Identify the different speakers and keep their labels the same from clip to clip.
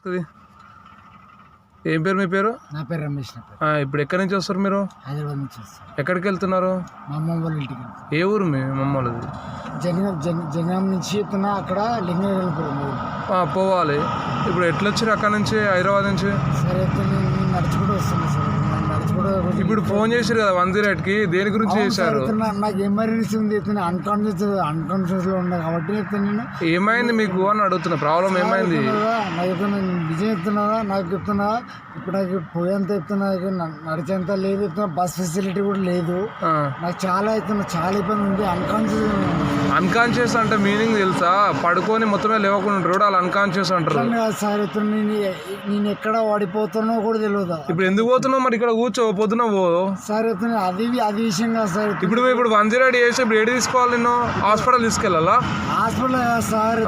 Speaker 1: ఇది ఏం పేరు మీ పేరు?
Speaker 2: నా పేరు రమేష్.
Speaker 1: ఇప్పుడు ఎక్కడి నుంచి వస్తారు మీరు?
Speaker 2: హైదరాబాద్ నుంచి వస్తారు.
Speaker 1: ఎక్కడికి వెళ్తున్నారు?
Speaker 2: మా అమ్మమ్మ వాళ్ళ ఇంటికి.
Speaker 1: ఏ ఊరు మీ అమ్మమ్మ వాళ్ళది?
Speaker 2: జనగాం నుంచి చెప్తున్నా, అక్కడ లింగపురం
Speaker 1: పోవాలి. ఇప్పుడు ఎట్లా వచ్చారు అక్కడ నుంచి, హైదరాబాద్ నుంచి?
Speaker 2: సరే నేను నడుచుకుంటూ వస్తాను సార్.
Speaker 1: ఇప్పుడు ఫోన్ చేశారు కదా 108కి, దేని గురించి చేశారు?
Speaker 2: నాకు ఎమర్జెన్సీ ఉంది, అన్కాన్షియస్ లో ఉన్నా కాబట్టి నేను
Speaker 1: ఏమైంది మీకు అని అడుగుతున్నా. ప్రాబ్లం ఏమైంది?
Speaker 2: నాకు నిజం చెప్తున్నావా? నాకు చెప్తున్నా, ఇప్పుడు నాకు పోయేంత చెప్తున్నా, నడిచేంత లేదు, బస్ ఫెసిలిటీ కూడా లేదు. నాకు చాలా ఇబ్బంది ఉంది.
Speaker 1: అన్కాన్షియస్ అంటే మీనింగ్ తెలుసా? పడుకొని మొత్తమే లేవకుండా ఉంటారు, వాళ్ళు అన్కాన్షియస్ అంటారు.
Speaker 2: సార్ నేను ఎక్కడ వాడిపోతున్నా కూడా తెలియదు.
Speaker 1: ఇప్పుడు ఎందుకు పోతున్నావు మరి? ఇక్కడ కూర్చో, పొద్దున పో
Speaker 2: సార్. అది విషయం కాదు సార్.
Speaker 1: ఇప్పుడు 108 చేసి ఇప్పుడు ఏడు తీసుకోవాలి? నిన్ను హాస్పిటల్ తీసుకెళ్ళాలా?
Speaker 2: హాస్పిటల్ సార్,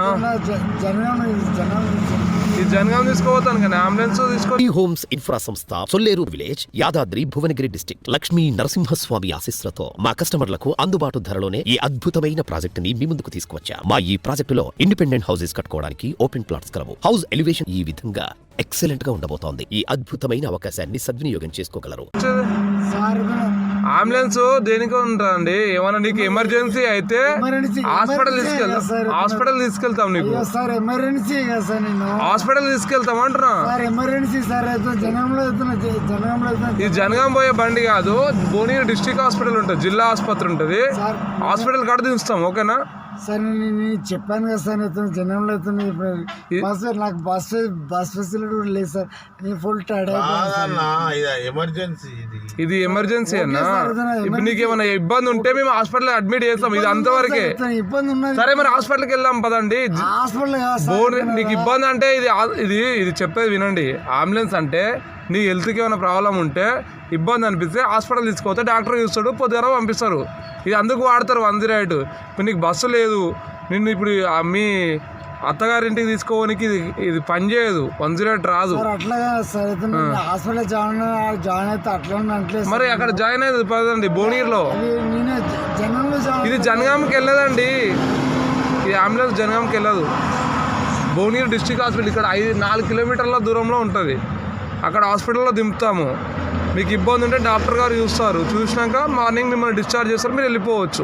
Speaker 1: జనగాం తీసుకోపోతాను కానీ అంబులెన్స్ తీసుకో.
Speaker 3: హోమ్స్ ఇన్ఫ్రా సంస్థ, సొల్లేరు విలేజ్, యాదాద్రి భువనగిరి డిస్ట్రిక్ట్. లక్ష్మీ నరసింహస్వామి ఆశీస్సులతో మా కస్టమర్లకు అందుబాటు ధరలోనే ఈ అద్భుతమైన ప్రాజెక్ట్ ని మీ ముందుకు తీసుకువచ్చా. మా ఈ ప్రాజెక్టులో ఇండిపెండెంట్ హౌసెస్ కట్టుకోవడానికి ఓపెన్ ప్లాట్స్ కలవు. హౌస్ ఎలివేషన్ ఈ విధంగా ఎక్సలెంట్ గా ఉండబోతోంది. ఈ అద్భుతమైన అవకాశాన్ని సద్వినియోగం చేసుకోగలరు.
Speaker 1: అంబులెన్స్ దేనికి ఉంటారండి? ఏమన్నా నీకు ఎమర్జెన్సీ అయితే హాస్పిటల్ తీసుకెళ్తాం. నీకు హాస్పిటల్ తీసుకెళ్తాం అంటున్నా. ఇది జనగాం పోయే బండి కాదు, భువనగిరి డిస్ట్రిక్ట్ హాస్పిటల్ ఉంటుంది, జిల్లా ఆసుపత్రి ఉంటుంది. హాస్పిటల్ కాడ దించుతాం, ఓకేనా?
Speaker 2: సార్ నేను చెప్పాను కదా సార్, జనంలో నాకు బస్ ఫెసిలిటీ కూడా లేదు సార్. నేను ఫుల్ టైర్డ్
Speaker 1: ఇది ఎమర్జెన్సీ అన్నా. ఇప్పుడు నీకు ఏమైనా ఇబ్బంది ఉంటే మేము హాస్పిటల్ అడ్మిట్ చేస్తాం. ఇది అంతవరకే
Speaker 2: ఇబ్బంది ఉన్నది.
Speaker 1: సరే మరి హాస్పిటల్కి వెళ్దాం పదండి. నీకు ఇబ్బంది అంటే ఇది చెప్పేది వినండి. అంబులెన్స్ అంటే నీ హెల్త్కి ఏమైనా ప్రాబ్లం ఉంటే, ఇబ్బంది అనిపిస్తే హాస్పిటల్ తీసుకుపోతే డాక్టర్ చూస్తాడు, పొద్దున పంపిస్తారు. ఇది అందుకు వాడతారు 108. ఇప్పుడు నీకు బస్సు లేదు, నిన్ను ఇప్పుడు మీ అత్తగారింటికి తీసుకోవడానికి ఇది పని చేయదు, 108 రాదు. మరి అక్కడ జాయిన్ అయ్యేది పదండి భువనగిరిలో. ఇది జనగాంకి వెళ్ళదండి, ఈ అంబులెన్స్ జనగాంకి వెళ్ళదు. భువనగిరి డిస్ట్రిక్ట్ హాస్పిటల్ ఇక్కడ 4 కిలోమీటర్ల దూరంలో ఉంటుంది. అక్కడ హాస్పిటల్లో దింపుతాము. మీకు ఇబ్బంది ఉంటే డాక్టర్ గారు చూస్తారు, చూసినాక మార్నింగ్ మిమ్మల్ని డిశ్చార్జ్ చేస్తారు, మీరు వెళ్ళిపోవచ్చు.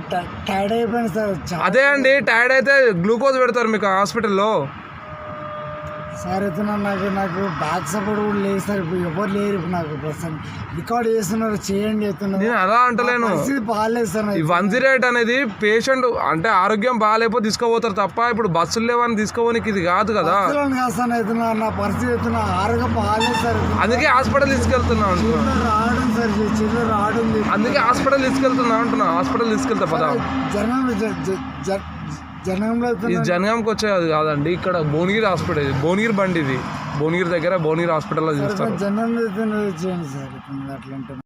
Speaker 1: అదే అండి, టైర్డ్ అయితే గ్లూకోజ్ పెడతారు మీకు హాస్పిటల్లో.
Speaker 2: సార్ అయితే నాకు బ్యాక్ సపోర్ట్ కూడా లేదు సార్. ఇప్పుడు ఎవరు లేరు. ఇప్పుడు నాకు ప్రస్తుతం రికార్డ్ చేస్తున్నారు, చేయండి చెప్తున్నారు.
Speaker 1: నేను అలా అంటలేను,
Speaker 2: బాగాలేదు సార్.
Speaker 1: ఈ 108 అనేది పేషెంట్ అంటే ఆరోగ్యం బాగాలేకపోతే తీసుకోపోతారు తప్ప, ఇప్పుడు బస్సులు లేవని తీసుకోవడానికి ఇది కాదు కదా.
Speaker 2: నా పరిస్థితి అవుతున్నా, ఆరోగ్యం బాగాలేదు సార్.
Speaker 1: అందుకే హాస్పిటల్ తీసుకెళ్తున్నా
Speaker 2: రావడం సార్, చిల్లర రావడం.
Speaker 1: అందుకే హాస్పిటల్ తీసుకెళ్తున్నా అంటున్నా. హాస్పిటల్ తీసుకెళ్తా పదా. ఇది జనగాంకి వచ్చేది కాదండి, ఇక్కడ భువనగిరి హాస్పిటల్. భువనగిరి బండి ఇది, భువనగిరి దగ్గర భువనగిరి హాస్పిటల్లో చూస్తారు.